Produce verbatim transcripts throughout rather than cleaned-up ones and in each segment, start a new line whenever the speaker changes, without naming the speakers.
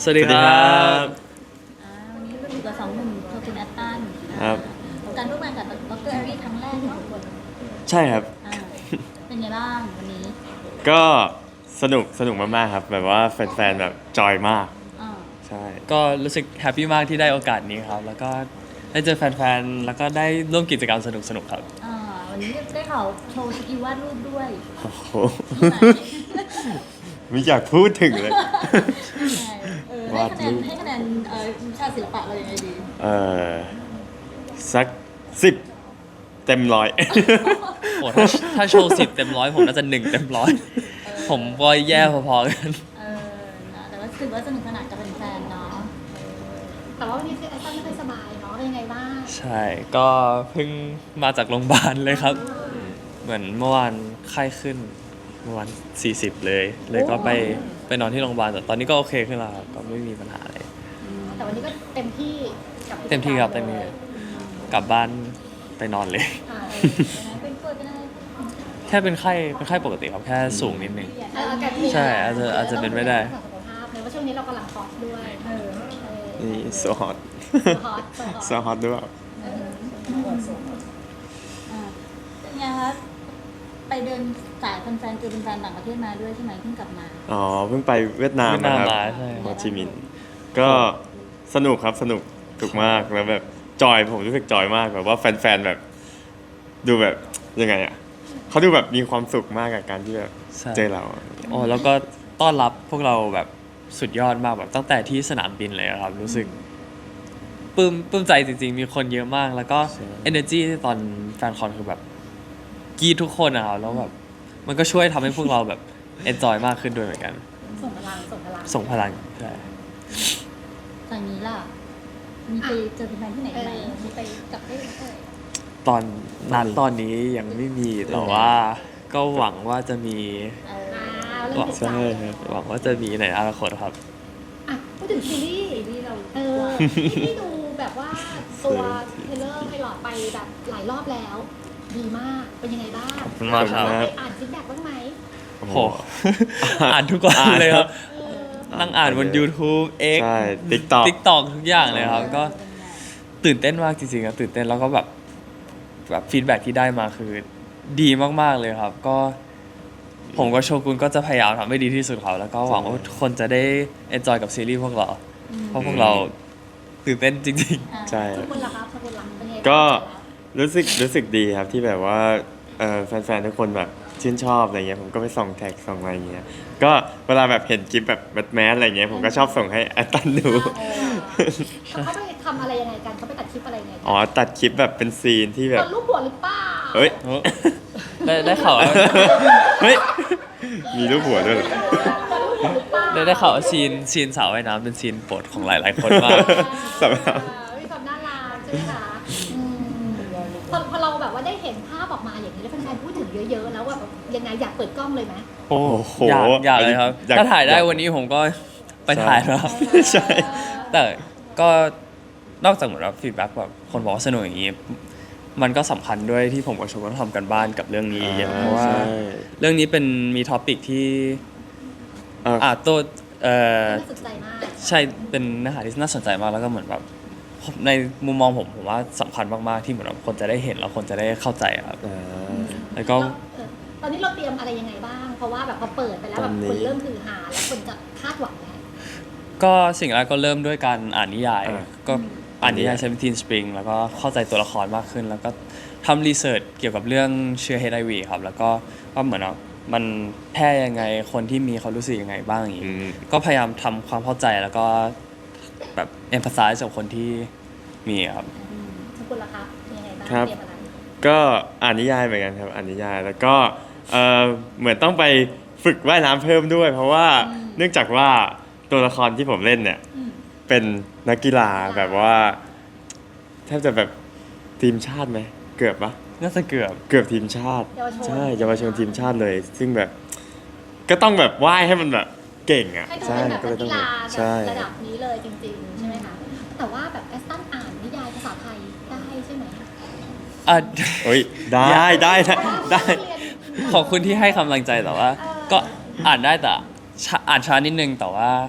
สวัสดีครับ
อ่าวันนี้ก็อยู่กับสองหนุ่มโทคินแอตตัน
ครับ
การร่วมงานกับดรแอรี่ครั้งแรกของทุกคน
ใช่ครับ
อ่าเป็นไงบ้างวันนี้
ก็สนุกสนุกมากๆครับแบบว่าแฟนๆแบบจอยมาก
อ่า
ใช่
ก็รู้สึกแฮปปี้มากที่ได้โอกาสนี้ครับ แล้วก็ได้เจอแฟนๆ แล้วก็ได้ร่วมกิจกรรมสนุกๆ ครับ
อ่าวันนี้ได้ข่าวโชว์สกิลวาดรูปด้วย
โอ้โห
ที่ไหน
ไม่อยากพูดถึงเลย
เออให้คะแนนให้คะแนนเอ่อวิชาศิลปะเรายังไงดี
เออสักสิบเต็มร้อย
โอ้ถ้าถ้าโชว์สิบเต็มร้อยผมน่าจะหนึ่งเต็มร้อย ผมก็แย่พอๆกัน
เออนะแต่ว่าถือว่าสนุกสนานกับแฟนๆเนาะ
แต่ว่าวันนี้คือแอสตันไม่ค่อยสบายเนาะเป็นยังไงบ้าง
ใช่ ก็เพิ่งมาจากโรงพยาบาลเลยครับ เหมือนเมื่อวานไข้ขึ้นเมื่อวานสี่สิบเลย เลยก็ไปไปนอนที่โรงพยาบาลแต่ตอนนี้ก็โอเคขึ้นแล้วครับก็ไม่มีปัญหาอะไร
แต่วันนี้ก็เต็มที่กับกิจก
เต็มที่ครับเต็มที่กลับบ้านไปนอนเลย
อ่า
เป็นป่วยเป็นอะไร
แค่เป็นไข้เป็นไข้ปกติครับแค่สูงนิดนึง
เอออากาศเปลี่ยน
ใช่อาจจะอาจจะเป็นไม่ได้
สุขภาพเลยว่าช่วงนี้เรากำลังฮอตด้วยเออเออ
นี่โซฮอต
ฮอต
โซฮอตด้วย
อ่าเป็นไงคะไปเดินสายแฟนๆเจอแฟนๆต่างประเทศมาด้วยใช่ไหมเพิ่งกลับมา
อ๋อเพิ่งไปเวียดนาม
เวียดนาม
นะครับ
มาใช่
โฮจิมินห์ก็สนุกครับสนุกถูกมากแล้วแบบจอยผมรู้สึกจอยมากแบบว่าแฟนๆแบบ ดูแบบยังไงอ่ะเขาดูแบบมีความสุขมากกับการที่แบบ
ใช่
เจอเรา
โอ้แล้วก็ต้อนรับพวกเราแบบสุดยอดมากแบบตั้งแต่ที่สนามบินเลยอะครับ รู้สึกปลื้มปลื้มใจจริงๆ มีคนเยอะมาก แล้วก็ energy ตอนแฟนคอนคือแบบกรีดทุกคนอะครับแล้วแบบมันก็ช่วยทำให้พวกเราแบบ enjoy มากขึ้นด้วยเหมือนกัน
ส่งพลังส่งพลัง
ส่งพลังใช่
ทางนี้ล่ะ มีไปเจอแฟนๆที่ไหน
เอ
ไหม
อมีไปกับได้เออ
ตอนนั้นตอนนี้ยังไม่มีแต่ว่าก็หวังว่าจะมี
เออ
อ่าเรื่องจิตใจ
ใช่ครับ
หวังว่าจะมีในอนาคตครับ
อ่ะพูดถึงซีรีส์
ที่เรา
เออที่พี่ดูแบบว่าตัวเทเลอร์ไพลอตไปแบบหลายรอบแล้ว ดีมากเป็นยังไงบ้าง
ขอบคุณมากครับ
ไปอ่านฟีดแบ็กบ้างไหม
โอ้
โห
โห
อ่านทุกวัน
อ่าน
เลยครับ
เออ
นั่งอ่านบน YouTube X
ใช่ TikTok
TikTok ทุกอย่างเลยครับ ก็ตื่นเต้นมากจริงๆครับตื่นเต้นแล้วก็แบบแบบฟีดแบ็ที่ได้มาคือดีมากๆเลยครับ ก็ผมกับโชกุนก็จะพยายามทำให้ดีที่สุดครับแล้วก็หวังว่าทุกคนจะได้ enjoy กับซีรีส์พวกเรา เพราะพวกเราตื่นเต้นจริง
อ่า
ใช่
ทุกคนล่ะครับทุกคนล่ะเป็นยังไงบ้าง
ก็รู้สึกรู้สึกดีครับที่แบบว่าเอ่อแฟนๆทุกคนแบบชื่นชอบอะไรเงี้ยผมก็ไปส่องแท็กส่องอะไรเงี้ยก็เวลาแบบเห็นคลิปแบบแบทแมนอะไรเงี้ยผมก็ชอบส่งให้แอตตันดู
เออเขาไปทำอะไรยังไงกันเขาไปตัดคลิปอะไรยังไงกั
อ๋อตัดคลิปแบบเป็นซีนที่แบ
ต
บ
อนรูปหัวหรือเปล่า
เฮ้ย
ๆ ได้ได้ข่าวว่า
เฮ้ยมีรูปหัวด้วยเหรอ
ตอนรูปหัวหรือเปล่า
ได้ได้ข่าวว่าซีนซีนสาวว่ายน้ำเป็นซีนโปรดของหลาย ๆ คนมาก
สำหรับ
เออมีความน่ารักใช่ไหมคะอืมพอพอเราแบบว่าได้เห็นภาพออกมาอย่างนี้แล้วแฟนๆพูดถึงเยอะๆแล้วว่าแบบยังไงอยากเปิดกล้องเลยไหม
โอ้
โอ้โห
อยากอยากเลยครับ
อยาก
ถ้าถ่ายได้
อยาก
วันนี้ผมก็ไปถ่ายแล้วครับ
ใช่
แต่ก็นอกจากเหมือนว่าฟีดแบ็กแบบคนบอกว่าสนุกอย่างนี้ มันก็สำคัญด้วยที่ผมกับชมก็ทำกันบ้านกับเรื่องนี้เยอะเพราะว่า
ใช่
เรื่องนี้เป็นมีท็อปิกที่
เอ่อ
อ่าตัวเอ่อ
น่าสนใจมาก
ใช่เป็นเนื้อหาที่น่าสนใจมากแล้วก็เหมือนแบบในมุมมองผมผมว่าสำคัญมากๆที่เหมือนแบบคนจะได้เห็นแล้วคนจะได้เข้าใจครับ
อ่า
แล้วก็
เออตอนนี้เราเตรียมอะไรยังไงบ้าง เพราะว่าแบบพอเปิดไปแล้วแบบ
ตอนนี้
คนเริ่มคือหาแล้วคนจะคาดหวังไง
ก็สิ่งแรกก็เริ่มด้วยการอ่านนิยาย
อ่า
ก็อ่านนิยายseventeen Spring แล้วก็เข้าใจตัวละครมากขึ้น แล้วก็ทำรีเสิร์ชเกี่ยวกับเรื่องเชื้อ เอช ไอ วี ครับ แล้วก็ว่าเหมือนว่ามันแพร่ยังไงคนที่มีเขารู้สึกยังไงบ้างอย่าง
อื
นี้
ม
ก็พยายามทำความเข้าใจแล้วก็แบบ emphasize กับคนที่มีครับ
อืมทุกคนล่ะครับมียังไงบ้าง
ครับ
เตรียมอะไร
ก็อ่านนิยายเหมือนกันครับอ่านนิยายแล้วก็เออเหมือนต้องไปฝึกว่ายน้ำเพิ่มด้วย เพราะว่าเนื่องจากว่าตัวละครที่ผมเล่นเนี่ย
อืม
เป็นนักกีฬาแบบว่าแทบจะแบบทีมชาติไหมเกือบปะ
น่าจะเกือบ
เกือบทีมชาติ
เยาวชน
ใช่เยาวชนทีมชาติเลย ซึ่งแบบ ก็ต้องแบบว่ายให้มันแบบเก่งอ่ะ
ให้ดู
ใช่
เป็นแบบ
ก็เล
นั
ย
ก
ต้อง
กีฬา
ใช่
แบบระดับนี้เลยจริงๆ ใช่ไหมคะ แต่ว่าแบบแอสตันอ่านนิยายภาษาไทยได้ใช่ไหม
อ่ะ
เฮ้ยได้ได้ได้ได้
ขอบคุณที่ให้กำลังใจแต่ว่า ก็อ่านได้แต่ช้าอ่านช้านิดนึงแต่ว่า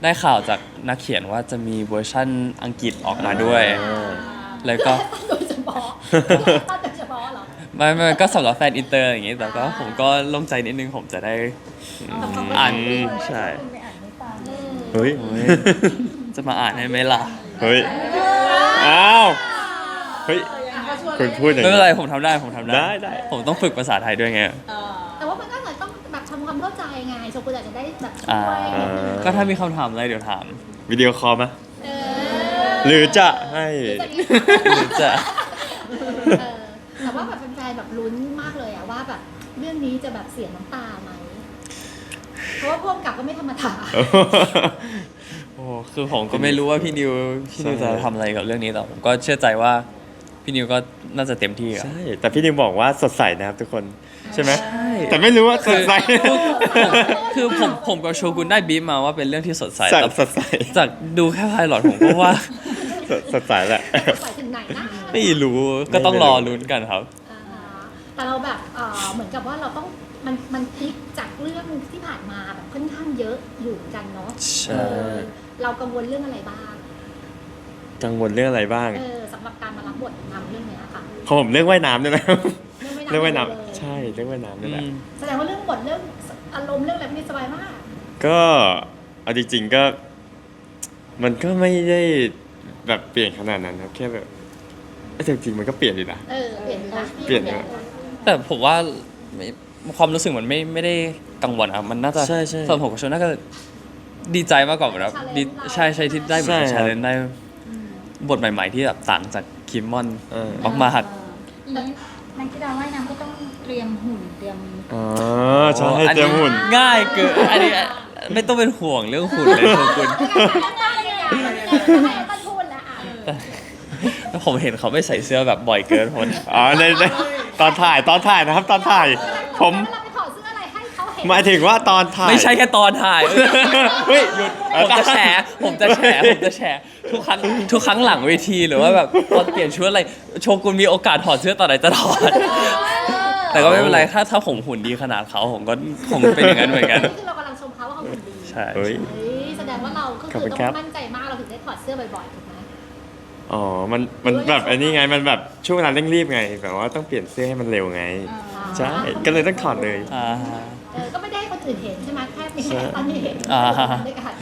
ได้ข่าวจากนักเขียนว่าจะมีเวอร์ชั่นอังกฤษออกมาด้วย แล้วก็
โดยเฉพาะตั้งโดยเฉพาะเหรอ
ไม่ไม่ก็สำหรับแฟนอินเตอร์อย่างงี้ แต่ก็ผมก็โล่งใจนิดนึงผมจะได้อ่านใช่
ไปอ่านให้ฟัง
เฮ้ย
โอ้ยจะมาอ่านให้ไหมล่ะ
เฮ้ย อ้าว เฮ้ย คุณพูดอย่าง
ไม่เป็นไร
นี้
ผมทำได้ผมทำได้
ได้ได้
ผมต้องฝึกภาษาไทยด้วยไง
เออ
แต่ว่ามันก็อาจจะต้องแบบทำความเข้าใจไงโชกุนอาจจะได้แบบช่
อ่า
วยนิดนึง
ก็ถ้ามีคำถามอะไรเดี๋ยวถาม
วิดีโอคอลไหม
เอ
หรือจะให้
หรือจะ
หรือจะ
เออแต่ว่าแบบแฟนๆแบบลุ้นมากเลยอะว่าแบบเรื่องนี้จะแบบเสียน้ำตาไหมเพราะว่าพ่วงกับก็ไม่ธรรมดา
โอ้คือผมก็ไม่รู้ว่าพี่นิวพี่นิว
ใช่
จะทำอะไรกับเรื่องนี้แต่ผมก็เชื่อใจว่าพี่นิวก็น่าจะเต็มที่อะ
ใช่ แต่พี่นิวบอกว่าสดใสนะครับทุกคน ใช่ไหม
ใช่
แต่ไม่รู้ว่าสดใส
คือผมผมกับโชกุนได้บีฟมาว่าเป็นเรื่องที่สดใส
จาก
แต่
สดใส
จากดูแค่ไพลอตผมก็ว่า
สดสดใสแหละ
ไปถึงไหนนะ
ไม่รู้ก็ต้องรอลุ้นกันครับ
อ่าฮะแต่เราแบบเออเหมือนกับว่าเราต้องมันมันพลิกจากเรื่องที่ผ่านมาแบบค่อนข้างเยอะอยู่เหมือนกันเนาะ
ใช่
เออเรากังวลเรื่องอะไรบ้าง
กังวลเรื่องอะไรบ้าง
เออสำหรับการมารับบทนำเรื่องเนี้ยค่ะ
ของผมเรื่องว่ายน้ำด้วยนะ
เรื่อง
เรื่อง
ไม่
ว่ายน้
เลย
ำใช่ เรื่องว่ายน้ำนี่แหละ
อืม
แสดงว่าเรื่องบทเรื่องอารมณ์เรื่องอะไรพวกนี้สบายมาก
ก็เอาจริงๆก็ มันก็ไม่ได้แบบเปลี่ยนขนาดนั้นครับ แค่แบบเอ้ยแต่จริงๆมันก็เปลี่ยนอยู่นะ
เออเปลี่ยนอยู่นะ
เปลี่ยนอยู่นะ
แต่ผมว่าไม่ความรู้สึกมันไม่ไม่ได้กังวลครับมันน่าจะ
ใช่ใช่
สำหรับผมกับโชน่าจะดีใจมากกว่าแบบดีใช่ใช่ที่ได้บท
ใช่ครับ
ชาเลนได้บทใหม่ ๆ ที่แบบต่างจากคิมมอน
เออ
ออกมาหัด
อย่างนี้นักกีฬาว่ายน้ำก็ต้องเตรียมหุ่นเตรียม
อ๋อใช่
อัน
เตรี
นี้
ยมหุ่น
ง่ายเกินอันนี้ไม่ต้องเป็นห่วงเรื่องหุ่นเลยโชกุน
ได้เลยอ่ะไม่ต้องพูดแล้วอ่ะ
แล้วผมเห็นเขาไม่ใส่เสื้อแบบบ่อยเกินผม
อ๋อในในตอนถ่ายตอนถ่ายนะครับ ตอนถ่าย ผม
เราไปถอดเสื้ออะไรให้เขาเห็น
หมายถึงว่าตอนถ่าย
ไม่ใช่แค่ตอนถ่าย
เฮ้ยหยุด
ผมจะแฉผมจะแฉผมจะแฉทุกครั้งทุกครั้งหลังเวทีหรือว่าแบบตอนเปลี่ยนชุดอะไรโชกุนมีโอกาสถอดเสื้อตอนไหนจะถอด แต่ก็ไม่เป็นไรถ้าถ้าผมหุ่นดีขนาดเขาผมก็ผมเป็นอย่างนั้นเหมือนกัน
นี่คือเรากำลังชมเขาว่าเขาหุ่นดี
ใช่
เฮ้ย
เฮ้ยแสดงว่าเราก็
ขอบ
คื
คุ
อ
ณ
ต้อ
ครับ
งมั่นใจมากเราถึงได้ถอดเสื้อบ่อยๆถูกไหม
อ๋อ มัน มันแบบอันนี้ไง มันแบบช่วงเวลาเร่งรีบไง แบบว่าต้องเปลี่ยนเสื้อให้มันเร็วไง ใช่ ก็เลยต้องถอดเลย
อ่า
เออก็ไม่ได้ให้คนอื่นเห็นใช่ไหมแค่มี
ใช่
แค่ตอนนี้เห็น
อ่า
ด้วยกัน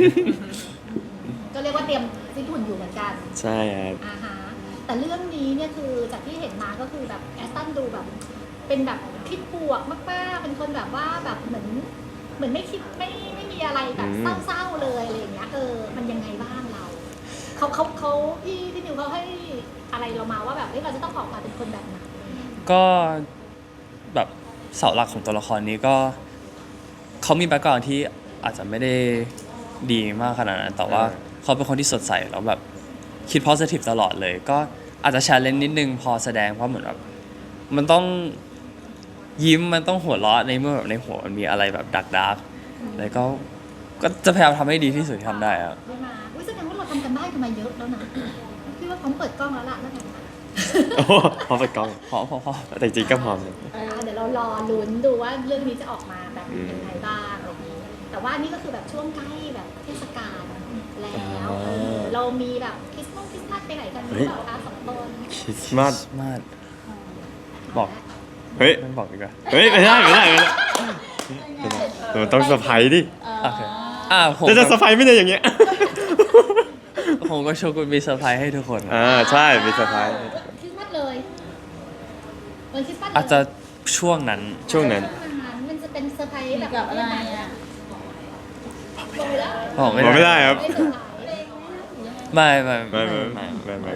ก็เรียกว่าเตรียมฟิตหุ่นอยู่เหมือนกัน
ใช่ครับ
อ่าฮะแต่เรื่องนี้เนี่ยคือจากที่เห็นมาก็คือแบบแอสตันดูแบบ เป็นแบบคิดบวกมากๆเป็นคนแบบว่าแบบเหมือนเหมือนไม่คิดไม่ไม่มีอะไรแบบ
อืม
เศร้าๆเลยอะไรอย่างเงี้ยเออมันยังไงบ้างเราเขาเขาเขาพี่พี่นิวเขาให้อะไรเรามาว่าแบบเอ้ยเราจะต้องออกมาเป็นคนแบบไหน
ก็แบบเสาหลักของตัวละครนี้ก็เขามีแบ็กกราวด์ที่อาจจะไม่ได้ดีมากขนาดนั้นแต่ว่า
เออ
เขาเป็นคนที่สดใสแล้วแบบคิด positive ตลอดเลย ก็อาจจะแชร์เลนนิดนึงพอแสดงเพราะเหมือนแบบมันต้องยิ้มมันต้องหัวเราะในเมื่อแบบในหัวมันมีอะไรแบบดักดักๆแล้วก็ก็จะพยายามทำให้ดีที่สุดที่ทำได้ครับ
ได้มาอุ้ยแสดงว่าเราทำกันบ้านกันมาเยอะแล้วนะพี่ว่าพร้อมเปิดกล้องแล้วล่ะแล้วกันนะ
โอ้พอไปกล้อง
พอพอพอ
แต่จริงๆก็พร้อมเลย
อ่าเดี๋ยวเรารอลุ้นดูว่าเรื่องนี้จะออกมาแบบ
อืม
ยังไงบ้างอะไรอย่างนี้แต่ว่านี่ก็คือแบบช่วงใกล้แบบเทศกาลแล้ว
อ่า
เออเรามีแบบคริสต์มาสคริสต์มาสไปไหนกันหรือเปล่าคะสองคน
คริสต์มาส
มาด บอก
เฮ้ย
ไม่บอกดีกว่า
เฮ้ย ไม่ได้ ไม่ได้ ไม่ได้มันต้องเซอร์ไพรส์ดิ
โอเคอ่าผม
จะจะเซอร์ไพรส์ไม่ได้อย่างเงี้ย
ผมก็โชกุนมีเซอร์ไพรส์ให้ทุกคนครับ
อ่า ใช่ มีเซอร์ไพรส์
คริสต์มาสเลยวันคริสต์มาสเลย
อาจจะช่วงนั้น
ช่วงนั้น
ช่วงนั้นมันจะเป็นเซอร์ไพรส์
เกี่
แบ
ยว
บ
กับอะไรอ่ะ
ลงไปแล้ว
บอก
บอกไม่ได้ครับ
ไม่เซอร์ไพรส์
ไม่ไม่
ไม่ไม่ไม่ไม่ไม่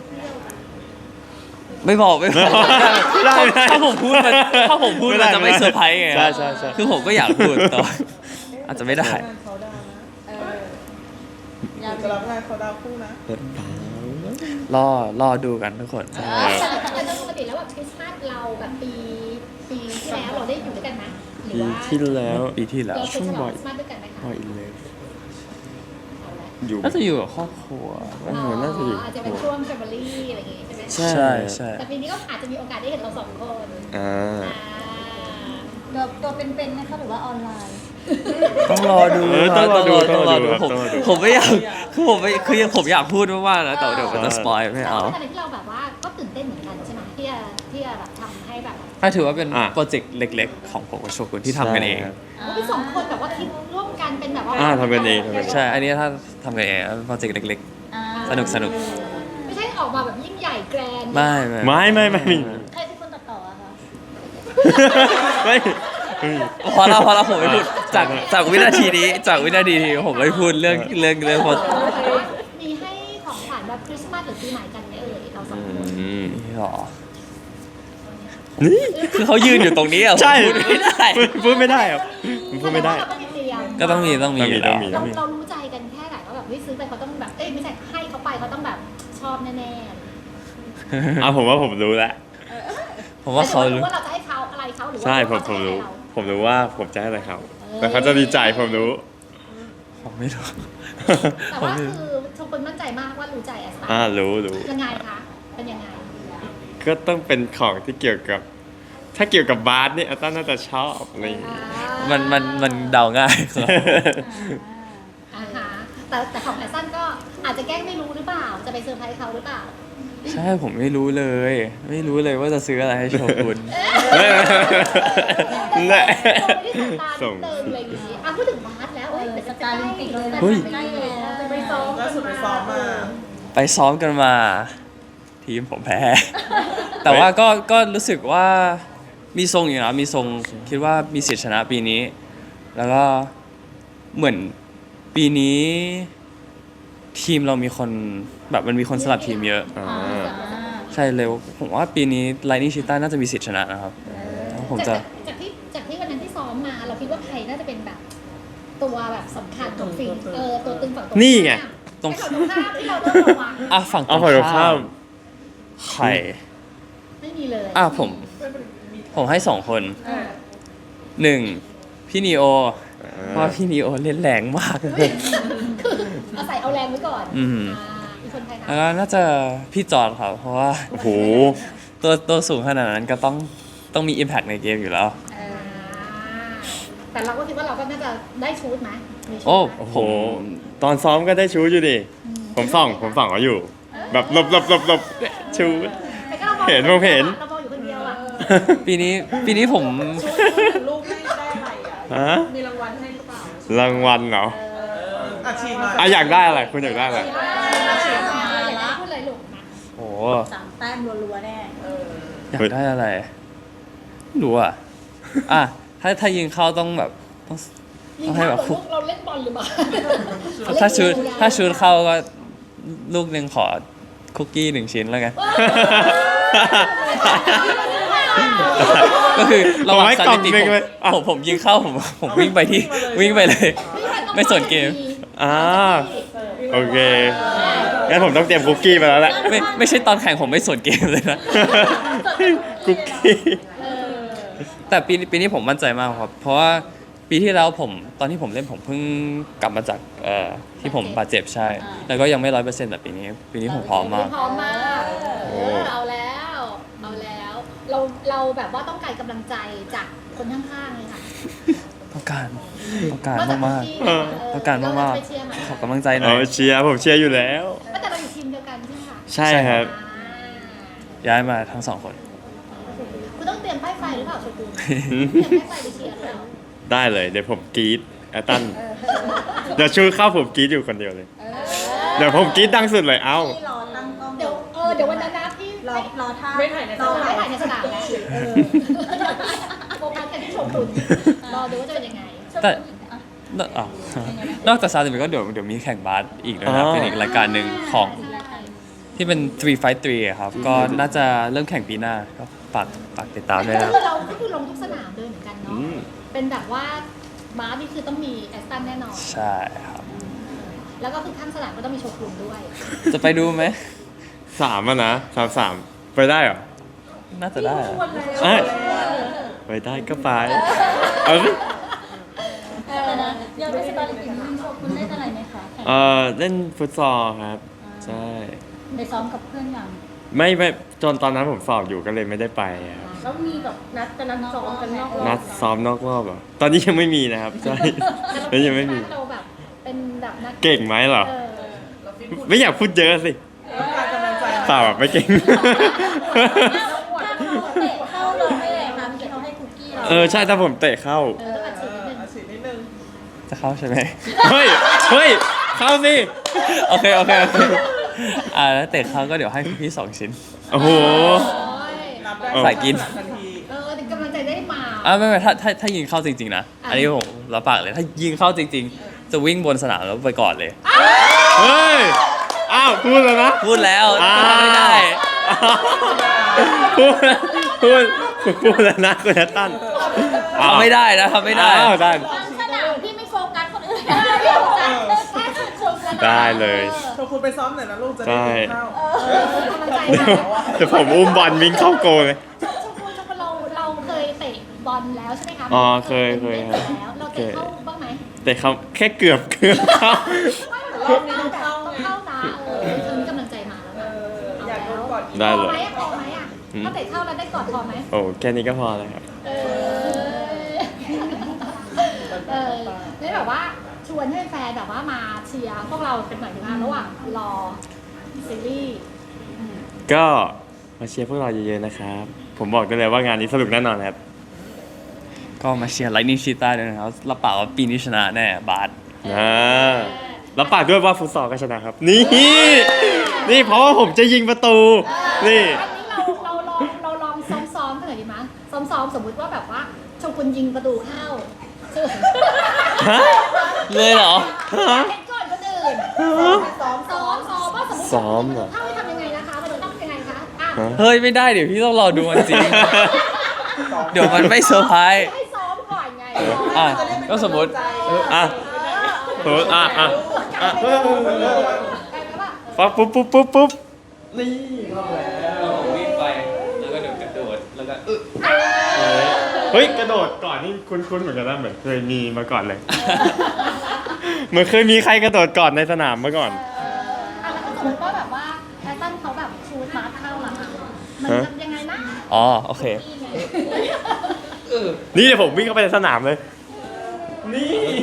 ไม่บอกไม่บอก
ไม่ได้ไม่ได้
ถ้าผมพูดมันถ้าผมพูดมันจะไม่เซอร์ไพรส์ไง
ใช่ใช่ใช่
คือผมก็อยากพูดแต่ว่าอาจจะไม่ได้
เขาดาวนะ
เอออยาก
จะรับงานเขาดาวคู่นะ
รอรอดูกันทุกคน
แต่โดยปกติแล้วแบบคริสต์มาสเราแบบปีปีที่แล้วเราได้อยู่ด้วยกันไหมหรือ
ปี
ว่า
ที่แล้ว
ปีที่แล้ว
เราเคยฉลองคริสต์มาสด้วยกันไหมคะ
พออินเลยอยู่
น่าจะอยู่กับครอบครัว
เออน่าจะอยู่
อาจจะเป็นช่วงแฟมิลี่อะไรอย่างงี้ใช่ไหม
ใช่
ใช่ใช่
แต่ปีนี้ก็อาจจะมีโอกาสได้เห็นเราสองคน
อ่า
อ่า
ตัวตัวเป็นๆไหมคะหรือว่าออนไลน์
ต้องรอดู
เออต้องรอดู
ต้องรอดู
ต้องรอดู
ผมผมไม่อยากคือผมไม่คือผมอยากพูดมากๆนะแต่เดี๋ยวมันจะสปอยไม่เอา
แต่ในที่เราแบบว่าก็ตื่นเต้นเหมือนกันใช่ไหมที่จะที่จะแบบทำให้แบบ
ถ้าถือว่าเป็น
อ่ะ
โปรเจกต์เล็กๆ ของผมกับโชกุนที่ทำกันเอง
ใช่ครับ
ว่าเป็นสองคนแบบว่าคิดร่วมกันเป็นแบบว่า
อ่าทำกันเองทำกันเอง
ใช่ อันนี้ถ้าทำกันเองโปรเจกต์เล็ก
อ่า
สนุกสนุก
ไม่ใช่ออกมาแบบยิ่งใหญ่แกรนด์
ๆ ไม่
ไม่ไม่ไม่ไม่
ใครเป็นคนตัดต่ออะคะ
ไม่ไม่
พอเราพอเราผมไม่พูดจากจากวินาทีนี้จากวินาทีนี้ผมไม่พูดเรื่องเรื่องเรื่องพอ
มีให้ของขวัญแบบคริสต์มาสหรือปีใหม่กันไหมเอ่ยเราสองคน
อืม
นี่หรอ
นี่
คือเขายืนอยู่ตรงนี้อ่ะผม
ใช่
พูดไม่ได้
พูดไม่ได้ครับพูดไม่ได้
เราต้องมีเตรียม
ก็ต้องมีต้องมีอยู่แล้ว
ต้องมี
เราเรารู้ใจกันแค่ไหนว่าแบบเฮ้ยซื้อไปเขาต้องแบบเอ้ยไม่ใช่ให้เขาไปเขาต้องแบบชอบแน่ๆ
อ่ะผมว่าผมรู้แล้ว
ผมว่าเขา
แต่
รู้
ว่าเราจะให้เขาอะไรเขาหรือว่า
ใช่ผม
เขา
ผม
จะให้
รู้
เรา
ผมรู้ว่าผมจะให้อะไรเขาแต่เขาจะดีใจผมรู้
ผมไม่รู้
แต่ว่าคือชมคุณมั่นใจมากว่ารู้ใจแอสตา
อ่ารู้รู้
ยังไงคะเป็นยังไง
ก็ต้องเป็นของที่เกี่ยวกับ ถ้าเกี่ยวกับบาสเนี่ยอาต้าน่าจะชอบอะไรอย่าง
อ่า
งี้
มันมันมันเดาง่ายครับ
อ่าฮะแต่แต่ของแอสตันก็อาจจะแกล้งไม่รู้หรือเปล่าจะไปเซอร์ไพรส์เขาหรือเปล่า
ใช่ผมไม่รู้เลย ไม่รู้เลยว่าจะซื้ออะไรให้โชกุน
แน่
ส่งไปที่สตาร์นิดนึงอะไรอย่างงี้อ่ะพูดถึงบาสแล้ว
เอ
เอ้ย
อ
แต่
ส
จะ
ตาร์
ใก
ลิ
ล้
มปิกเลยนะ
เฮ้ย
ใกล้แล้ว
จะไปซ้อม
ล่าสุดไปซ้อมมา
ไปซ้อมกันมา ทีมผมแพ้ แต่ว่าก็ก็รู้สึกว่ามีทรงอยู่นะมีทรงคิดว่ามีสิทธิชนะปีนี้ แล้วก็เหมือนปีนี้ ทีมเรามีคนแบบมันมีคนสลับทีมเยอะ
อ่า
อ่า
ใช่เร็วผมว่าปีนี้ไลนิ่งชิต้าน่าจะมีสิทธิชนะนะครับผมจะ
จากจากที่จากที่วันนั้นที่ซ้อมมา เราคิดว่าใครน่าจะเป็นแบบ ตัวแบบสำคัญของฟิล์มเออตัวตึงฝั่งตรง
นี่ไง
ตรง
ให้ฝั่งตรงข้ามที่เราต้องระวัง
อ่ะฝั่งตร
เอา
ง
ฝั่งตรงข้าม
ใคร
ไม่มีเลย
อ่ะผม ผมให้สองคน
เออ
หนึ่งพี่นีโอเพราะว่าพี่นีโอเล่นแรงมากเลย
คือเอาใส่เอาแรงไว้ก่อน
อืม
อ่ามีคนไทย
แล้ว
นะ
ก็น่าจะพี่จอร์ดครับ เพราะว่า
โอ้โห
ตัวตัวสูงขนาดนั้นก็ต้องต้องมี Impact ในเกมอยู่แล้ว
อ่าแต่เราก็คิดว่าเราก็น่าจะได้ชูดไหมมีชูด
โอ้
ไหม
โอ้โห ตอนซ้อมก็ได้ชูอยู่ดิ ผมส่อง ผมส่องเขาอยู่ แบบหลบหลบหลบหลบชู
แต่ก็รามอง
เห็นผมเห็น
เรามองอยู่คนเดียวอ่ะ
ปีนี้ปีนี้ผม
ลูกให้ได้อะไรอ่ะ
ฮะ
มีรางวัลให้หรือเปล่าร
างวัลเหรอ
อาชีพหน่อย
อ่ะอยากได้อะไร คุณอยากได้อะไร
อาชีพมาอยากให้พูดอะไรลูกนะ
โอ้
สามแต้มรัวๆแน่
เออ
อยากได้อะไรไม่รู้อ่ะ อ่ะถ้าถ้ายิงเข้าต้องแบบต้อง
ยิง
ให้
เข้า
แบบ
เหมือนลูกเราเล่นบอลหรือเปล่า
ถ้าชุดถ้าชุดเข้าก็ลูกหนึ่งขอคุกกี้หนึ่งชิ้นแล้วกัน ก็คือระหว่าง
ผมให้
ส
กล่อง
ถิติ
หนึ่ง
ผม
เลยอ่ะ
ผมผมยิงเข้าผมผมวิ่งไปที่วิ่งไปเลย ไม่สนเกม
อ่า โอเค งั้นผมต้องเตรียมคุกกี้มาแล้วแหละ
ไม่ไม่ใช่ตอนแข่งผมไม่สนเกมเลยนะ
คุกกี้
แต่ปีปีนี้ผมมั่นใจมากครับ เพราะว่าปีที่แล้วผมตอนที่ผมเล่นผมเพิ่งกลับมาจากเอ่อที่ผมบาดเจ็บใช่ แล้วก็ยังไม่ร้อยเปอร์เซ็นต์แบบปีนี้ ปีนี้ผมพร้อมมาก
พร้อมมาก
โอ้
เออเอาแล้ว เอาแล้ว เราเราแบบว่าต้องการกำลังใจจากคนข้างๆเลยค่ะ
ต้องการต้องการ
นอกจาก
มาก
ที่
ๆ
เออ
ต้องการมาก
เไปเชียร์ไหม
ๆขอกำลังใจหน่
เอา
อย
เชียร์ผมเชียร์อยู่แล้ว
แต่เราอยู่ทีมเดียวกันใช่ไหมคะ
ใช่ครับ
ย้ายมาทั้งสองคน
คุณต้องเตรียมป้ายไฟหรือเปล่าโชกุนเตรียมป้ายไฟไปเชียร์หรือเปล่า
ได้เลย เดี๋ยวผมกรี๊ดแอตตัน เดี๋ยวชูเข้าผมกรี๊ดอยู่คนเดียวเลย เดี๋ยวผมกรี๊ดดังสุดเลย เอ้า
ที่รอตั้งกล้อง
เดี๋ยวเออเดี๋ยววันนั้นนะที่
รอรอท่า
ไม่ถ่ายในส
รอ
นาม
ไม่ถ่ายในสนามแล้วเออโฟกัสกันที่โชกุนรอดูว่าจะเป็นยังไง
แต่ นอกอ่ะนอกจากซาติมิก็เดี๋ยวเดี๋ยวมีแข่งบาสอีกด้วยนะ
อ๋อ
เป็นอีกรายการหนึ่งของที่เป็น three fight three อะครับ ก็น่าจะเริ่มแข่งปีหน้าก็ฝากฝากติดตามด้วยนะ
คือเราก็คือลงทุกสนามเลยเหมือนกันเนาะ
อืม
เป็นแบบว่าบาสนี่คือต้องมีแอสตันแน่นอน
ใช่ครับ
แล้วก็คือข้างสนามก็ต้องมีโชกุนด้วย
จะไปดูไหม
สามอ่ะนะสามสามไปได้เหรอ
น่าจะได้อะ
เอ้ยไปได้ก็ไป เอาสิ
เออนะอยากไปสตาร์ลิมปิกคุณโชว์คุณเล่นอะไรไหมคะแข่ง
เออเล่นฟุตซอลครับ ใช่
ไปซ้อมกับเพื่อนยัง
ไม่ไม่จนตอนนั้นผมสอบอยู่ก็เลยไม่ได้ไปครับ
แล้วมีแบบนัดจะนัดซ้อมกันนอกรอบ
นัดซ้อมนอกรอบเหรอตอนนี้ยังไม่มีนะครับใช่ แล้วยังไม่มี
เราแบบเป็นแบบนัก
เก่งไหมเหรอ
เออ
เราฟิตหุ่น
ไม่อยากพูดเยอะสิ
ต้องการกำลังใจ
เปล่าแบบไม่เก่ง
ถ้าเขาเตะเข้าเราให้เลยค่ะเมื่อกี้เขาให้คุกกี้เรา
เออใช่ถ้าผมเตะเข้า
เออต้องอัด
เอ
ฉีด
อ
นิดนึง
อาชีพนิดนึง
จะเข้าใช่ไหม
เฮ้ย เฮ้ย เข้าสิ
โอเคโอเคโอเคอ่าแล้วเตะเขาก็เดี๋ยวให้พี่สองชิ้น
โอ้โห
โอ้ย
นับได้
สายกิน
ทันที
เออเดี๋ยวกำลังใจได้มา
อ่าไม่ไม่ถ้าถ้าถ้ายิงเข้าจริงๆนะ
อ่ะ
อันนี้ผมรับปากเลยถ้ายิงเข้าจริง ๆ จะวิ่งบนสนามแล้วไปก่อนเลย
เฮ้ย อ้าวพูดแล้วนะ
พูดแล้ว
อ้าว
ทำไม่ได้
พูดพูดพูดแล้วนะคุณนัตตัน
ทำไม่ได้นะทำไม่ได้
อ้าวได้
บางสนามพี่ไม่โฟกัสคนอื่นพี่โฟกัสแค่โชว์สนาม
ได้เลย
โชว์คุณไปซ้อมหน่อยนะลูกจะได้
ใช่
กินข้าว
เออกำลังใจ
เดี๋ยว
มา
เดี๋ยวผมอุ้มบอลวิ่งเข้าโกลเลย
ชมพูชมพูเราเราเคยเตะบอลแล้วใช่ไหมคะ
อ๋อเคยเคยครับ
เตะแล้วเราเตะเข้าบ้างไหม
แต่เขาแค่เกือบเกือบเข้า
ไม่แต่รอบนี้ต้องเข้าต้องเข้านะเออตอนนี้กำลังใจมาแล้ว
เอ
นะ
ออยากโดนกอดอีก
ได้
พ
เล
อย ไหมพอไหมอ่ะ
อืม
ถ้าเตะเข้าแล้วได้กอดพอไหม
โอ้แค่นี้ก็พอแล้วครับ
เออเออนี่แบบว่าชวนให้แฟนแบบว่ามาเชียร์พวกเราเป็นหน่อยนะระหว่างรอซีรีส์
ก็มาเชียร์พวกเราเยอะๆนะครับ ผมบอกได้เลยว่างานนี้สนุกแน่นอนครับ
ก็มาเชียร์ไลท์นิ่งชีต้าด้วยนะครับรับปากว่าปีนี้ชนะแน่บาส
นะแล้วปากด้วยว่าฟุตซอลก็ชนะครับ นี่ นี่เพราะว่าผมจะยิงประตู นี่
อันนี้เราเราลองเราลองซ้อมๆกันหน่อยดีมั้ยซ้อมๆสมมุติว่าแบบว่าโชกุนยิงประตูเข้าคือ
ฮะ
เลยเหรอ
ฮะ
เห็นก่อนคนอื่นซ้อมซ้อมซ้อมว่าสมมติ
ซ้อมเหรอ
เข้าให้ทำยังไงนะคะมันจะต้องยังไงคะอ่ะ
ฮะ
เฮ้ยไม่ได้เดี๋ยวพี่ต้องรอดูมันจริง เดี๋ยวมันไม่เซอร์ไพรส์
ให้ซ้อมก่อนไง
อ่ะก็สมมติ
อ่ะสมมติอ่ะอ่ะอ่ะ
กลายเป็นว่า
ปั๊บปุ๊บปุ๊บปุ๊บปุ๊บ
นี่เข้าแล้ว
วิ่งไปแล้วก็เดินกระโดดแล้วก็
เฮ้ยกระโดดก่อนนี่คุ้นๆเหมือนกันนะเหมือนเคยมีมาก่อนเลย เหมือนเคยมีใครกระโดดก่อนในสนามมาก่อน
อ่ะแล้วก็สมมติว่าแบบว่าแอตตันเขาแบบชูตบาสเข้าหลังมันจะยังไงนะ
อ๋อโอเค
นี่เดี๋ยวผมวิ่งเข้าไปในสนามเลย นี่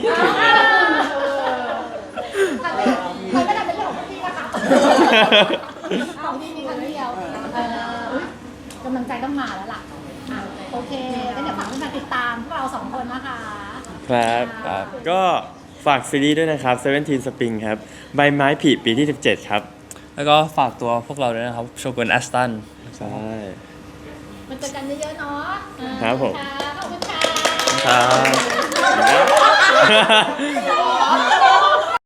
ทำไม่ทำไม่ได้เป็นเรื่องของพี่นะคะของพี่มีครั้งเดียวเอออุ๊ยกำลังใจต้องมาแล้วล่ะอ่ะโอเคงั้นเดี๋ยวฝากเพื่อนๆติดตามพวกเราสองคนนะคะ
ครับครับ ก็ฝากซีรีส์ด้วยนะครับเซเว่นทีนสปริงครับ ใบไม้ผลิปีที่สิบเจ็ดครับ
แล้วก็ฝากตัวพวกเราด้วยนะครับโชกุนแอสตัน
ใช่
มาเจอกันเยอะๆเนาะ
ครับผม
ขอบคุณค่ะ
ครับ